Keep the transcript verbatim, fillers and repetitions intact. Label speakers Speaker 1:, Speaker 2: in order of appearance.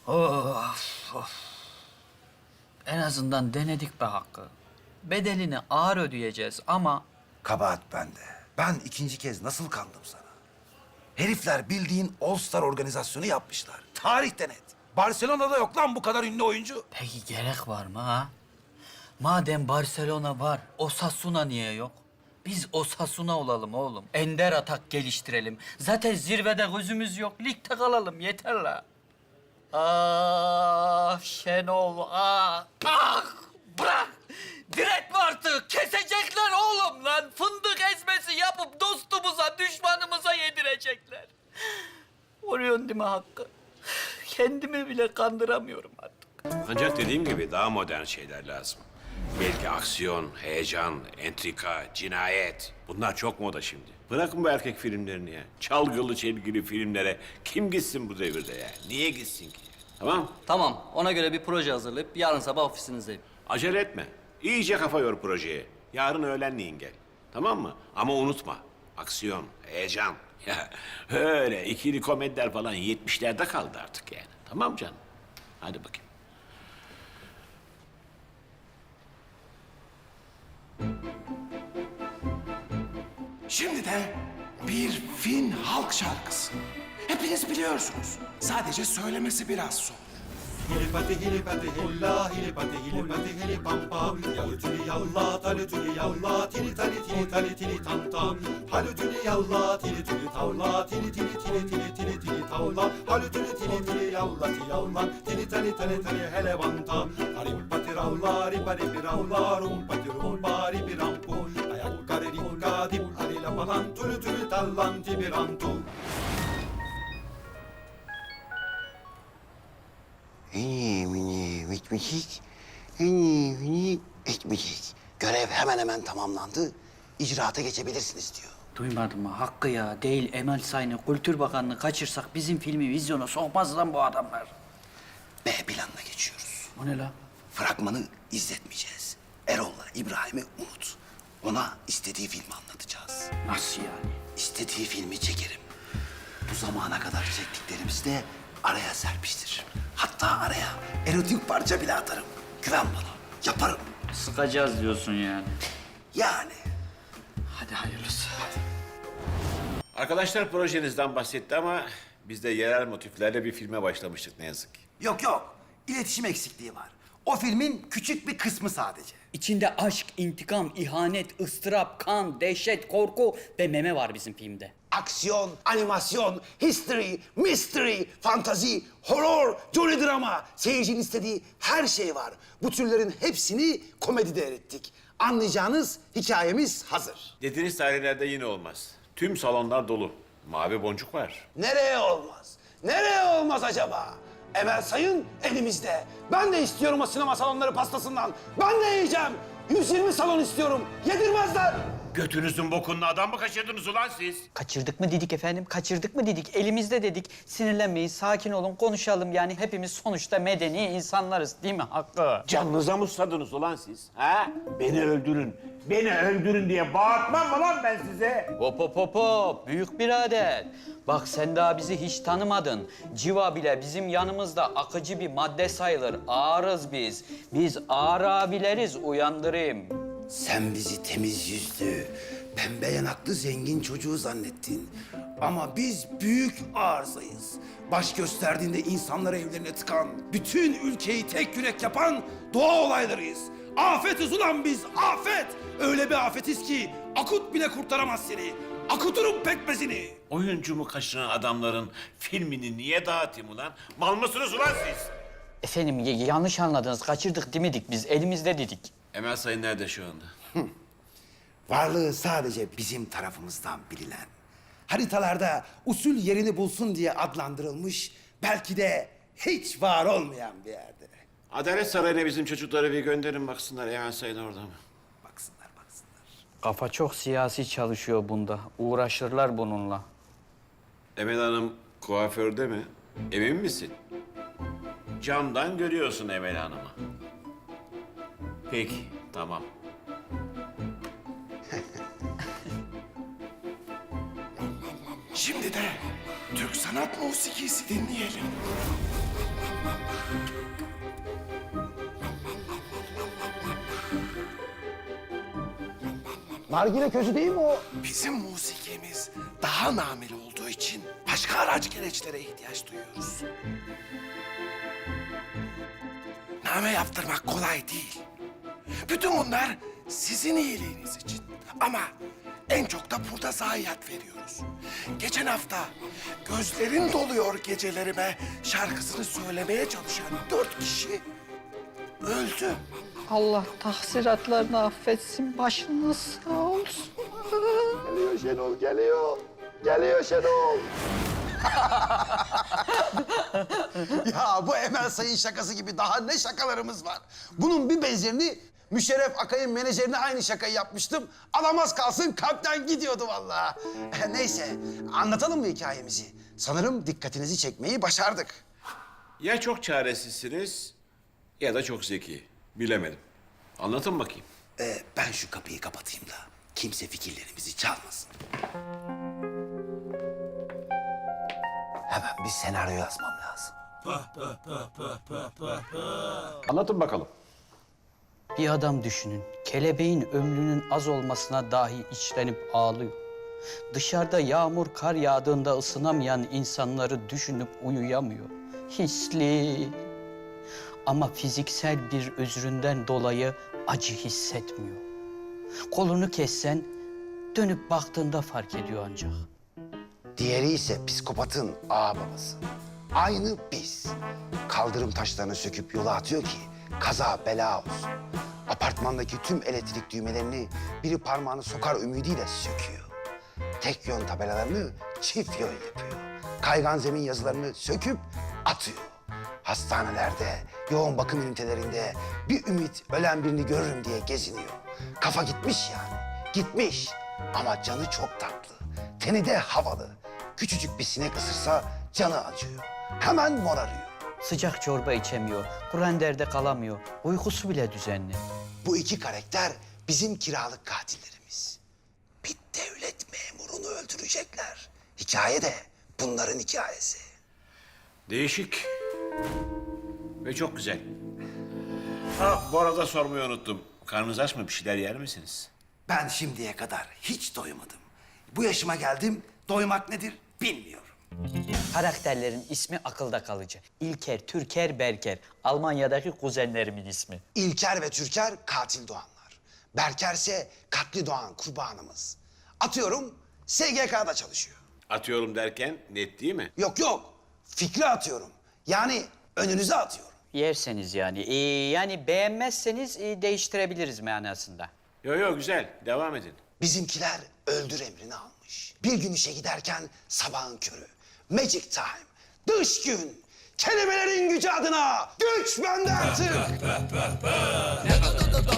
Speaker 1: Of, of. En azından denedik be Hakkı. Bedelini ağır ödeyeceğiz ama...
Speaker 2: Kabahat bende. Ben ikinci kez nasıl kandım sana? Herifler bildiğin All-Star organizasyonu yapmışlar. Tarihte net. Barcelona'da yok lan bu kadar ünlü oyuncu.
Speaker 1: Peki gerek var mı ha? Madem Barcelona var, Osasuna niye yok? Biz Osasuna olalım oğlum. Ender atak geliştirelim. Zaten zirvede gözümüz yok. Ligde kalalım yeter la. Ah Şenol ah. Ah bırak. Diretme artık. Kesecekler oğlum lan. Fındık ezmesi yapıp dostumuza, düşmanımıza yedirecekler. Vuruyorsun değil mi Hakkı? Kendimi bile kandıramıyorum artık.
Speaker 3: Ancak dediğim gibi daha modern şeyler lazım. Belki aksiyon, heyecan, entrika, cinayet. Bunlar çok moda şimdi. Bırakın bu erkek filmlerini ya. Çalgılı çelgili filmlere kim gitsin bu devirde ya? Niye gitsin ki? Tamam?
Speaker 4: Tamam, ona göre bir proje hazırlayıp yarın sabah ofisinizdeyim.
Speaker 3: Acele etme. İyice kafa yor projeye. Yarın öğlenleyin gel. Tamam mı? Ama unutma. Aksiyon, heyecan. Ya öyle ikili komediler falan yetmişlerde kaldı artık yani. Tamam canım? Hadi bakayım.
Speaker 5: Şimdi de bir Fin halk şarkısı. Hepiniz biliyorsunuz. Sadece söylemesi biraz zor.
Speaker 6: Hilipati hilipati hilla hilipati hilipati hilipampa Yalutuli yalla talutuli yalla tili tali tili tali tili tam tam Halutuli yalla tili tili tavla tili tili tili tili tili tili tavla Halutuli tili tili yalla ti yalla tili tali tali tali hele vanta Harimpati ravla ripari piravla rumpati rumpa ripirampu Ayakkari rikka dip alila palan tulu tulu tallan tibirantu
Speaker 7: Eni mini bitmişik, eni mini bitmişik. Görev hemen hemen tamamlandı. İcraata geçebilirsiniz diyor.
Speaker 1: Duymadın mı? Hakkı ya. Değil Emel Sayın'ı, Kültür Bakanlığı kaçırsak bizim filmi vizyona sokmaz lan bu adamlar.
Speaker 7: B planına geçiyoruz.
Speaker 1: O ne lan?
Speaker 7: Fragmanı izletmeyeceğiz. Erol'la İbrahim'i unut. Ona istediği filmi anlatacağız.
Speaker 1: Nasıl yani?
Speaker 7: İstediği filmi çekerim. Bu zamana kadar çektiklerimizi de araya serpiştiririm. Hatta araya erotik parça bile atarım. Güven bana. Yaparım.
Speaker 1: Sıkacağız diyorsun yani.
Speaker 7: Yani.
Speaker 1: Hadi hayırlısı.
Speaker 3: Arkadaşlar projenizden bahsetti ama biz de yerel motiflerle bir filme başlamıştık ne yazık ki.
Speaker 2: Yok yok. İletişim eksikliği var. O filmin küçük bir kısmı sadece.
Speaker 1: İçinde aşk, intikam, ihanet, ıstırap, kan, dehşet, korku ve meme var bizim filmde.
Speaker 7: Aksiyon, animasyon, history, mystery, fantazi, horror, jolly drama. Seyircinin istediği her şey var. Bu türlerin hepsini komedide erittik. Anlayacağınız hikayemiz hazır.
Speaker 3: Dediğiniz tarihlerde yine olmaz. Tüm salonlar dolu. Mavi boncuk var.
Speaker 7: Nereye olmaz? Nereye olmaz acaba? Emel Sayın elimizde. Ben de istiyorum o sinema salonları pastasından. Ben de yiyeceğim. yüz yirmi salon istiyorum. Yedirmezler.
Speaker 3: Götünüzün bokunlu adam mı kaçırdınız ulan siz?
Speaker 1: Kaçırdık mı dedik efendim, kaçırdık mı dedik, elimizde dedik. Sinirlenmeyin, sakin olun, konuşalım yani. Hepimiz sonuçta medeni insanlarız değil mi Hakkı?
Speaker 3: Canınıza mı susadınız ulan siz? Ha? Beni öldürün, beni öldürün diye bağırtmam mı lan ben size?
Speaker 1: Hop hop hop hop, büyük birader. Bak sen daha bizi hiç tanımadın. Civa bile bizim yanımızda akıcı bir madde sayılır. Ağırız biz. Biz ağır abileriz, uyandırayım.
Speaker 7: Sen bizi temiz yüzlü, pembe yanaklı zengin çocuğu zannettin. Ama biz büyük arızayız. Baş gösterdiğinde insanları evlerine tıkan, bütün ülkeyi tek yürek yapan doğa olaylarıyız. Afetiz ulan biz, afet! Öyle bir afetiz ki akut bile kurtaramaz seni. Akuturum pekmezini.
Speaker 3: Oyuncumu kaçıran adamların filmini niye dağıtayım ulan? Mal mısınız ulan siz?
Speaker 1: Efendim y- yanlış anladınız, kaçırdık demedik biz, elimizde dedik.
Speaker 3: Emel Sayın nerede şu anda?
Speaker 2: Varlığı sadece bizim tarafımızdan bilinen. Haritalarda usul yerini bulsun diye adlandırılmış, belki de hiç var olmayan bir yerde.
Speaker 3: Adalet Sarayı'na bizim çocukları bir gönderin baksınlar Emel Sayın orada mı?
Speaker 2: Baksınlar, baksınlar.
Speaker 1: Kafa çok siyasi çalışıyor bunda. Uğraşırlar bununla.
Speaker 3: Emel Hanım kuaförde mi? Emin misin? Camdan görüyorsun Emel Hanım'ı. Peki, tamam.
Speaker 5: Şimdi de Türk sanat musikisi dinleyelim.
Speaker 7: Nargile közü değil mi o?
Speaker 5: Bizim musikimiz daha nameli olduğu için başka araç gereçlere ihtiyaç duyuyoruz. Name yaptırmak kolay değil. Bütün bunlar sizin iyiliğiniz için. Ama en çok da burada zayiat veriyoruz. Geçen hafta gözlerin doluyor gecelerime şarkısını söylemeye çalışan dört kişi öldü.
Speaker 8: Allah tahsiratlarını affetsin, başınız sağ olsun.
Speaker 7: Geliyor Şenol, geliyor. Geliyor Şenol. Ya bu Emel Sayın şakası gibi daha ne şakalarımız var. Bunun bir benzerini Müşerref Akay'ın menajerine aynı şakayı yapmıştım. Alamaz kalsın kalpten gidiyordu vallahi. Neyse anlatalım mı hikayemizi? Sanırım dikkatinizi çekmeyi başardık.
Speaker 3: Ya çok çaresizsiniz ya da çok zeki. Bilemedim. Anlatın bakayım.
Speaker 7: Ee, ben şu kapıyı kapatayım da kimse fikirlerimizi çalmasın. Hemen bir senaryo yazmam lazım.
Speaker 3: Anlatın bakalım.
Speaker 9: Bir adam düşünün. Kelebeğin ömrünün az olmasına dahi içlenip ağlıyor. Dışarıda yağmur kar yağdığında ısınamayan insanları düşünüp uyuyamıyor. Hisli. Ama fiziksel bir özründen dolayı acı hissetmiyor. Kolunu kessen dönüp baktığında fark ediyor ancak.
Speaker 7: Diğeri ise psikopatın ağababası. Aynı biz. Kaldırım taşlarını söküp yola atıyor ki kaza bela olsun. Apartmandaki tüm elektrik düğmelerini biri parmağını sokar ümidiyle söküyor. Tek yön tabelalarını çift yön yapıyor. Kaygan zemin yazılarını söküp atıyor. Hastanelerde, yoğun bakım ünitelerinde bir ümit ölen birini görürüm diye geziniyor. Kafa gitmiş yani, gitmiş. Ama canı çok tatlı, teni de havalı. Küçücük bir sinek ısırsa canı acıyor. Hemen morarıyor.
Speaker 9: Sıcak çorba içemiyor, kurenderde kalamıyor, uykusu bile düzenli.
Speaker 7: Bu iki karakter bizim kiralık katillerimiz. Bir devlet memurunu öldürecekler. Hikaye de bunların hikayesi.
Speaker 3: Değişik. Ve çok güzel. Ha, bu arada sormayı unuttum. Karnınız aç mı? Bir şeyler yer misiniz?
Speaker 2: Ben şimdiye kadar hiç doymadım. Bu yaşıma geldim, doymak nedir bilmiyorum.
Speaker 9: Karakterlerin ismi akılda kalıcı. İlker, Türker, Berker. Almanya'daki kuzenlerimin ismi.
Speaker 7: İlker ve Türker katil doğanlar. Berker ise katli doğan kurbanımız. Atıyorum S G K'da çalışıyor.
Speaker 3: Atıyorum derken net değil mi?
Speaker 7: Yok yok fikri atıyorum. Yani önünüze atıyorum.
Speaker 9: Yerseniz yani. Ee, yani beğenmezseniz e, değiştirebiliriz manasında.
Speaker 3: Yo yo güzel. Devam edin.
Speaker 7: Bizimkiler öldür emrini almış. Bir gün işe giderken sabahın körü. Magic time. Dış gün. Kelimelerin gücü adına güç bende artık.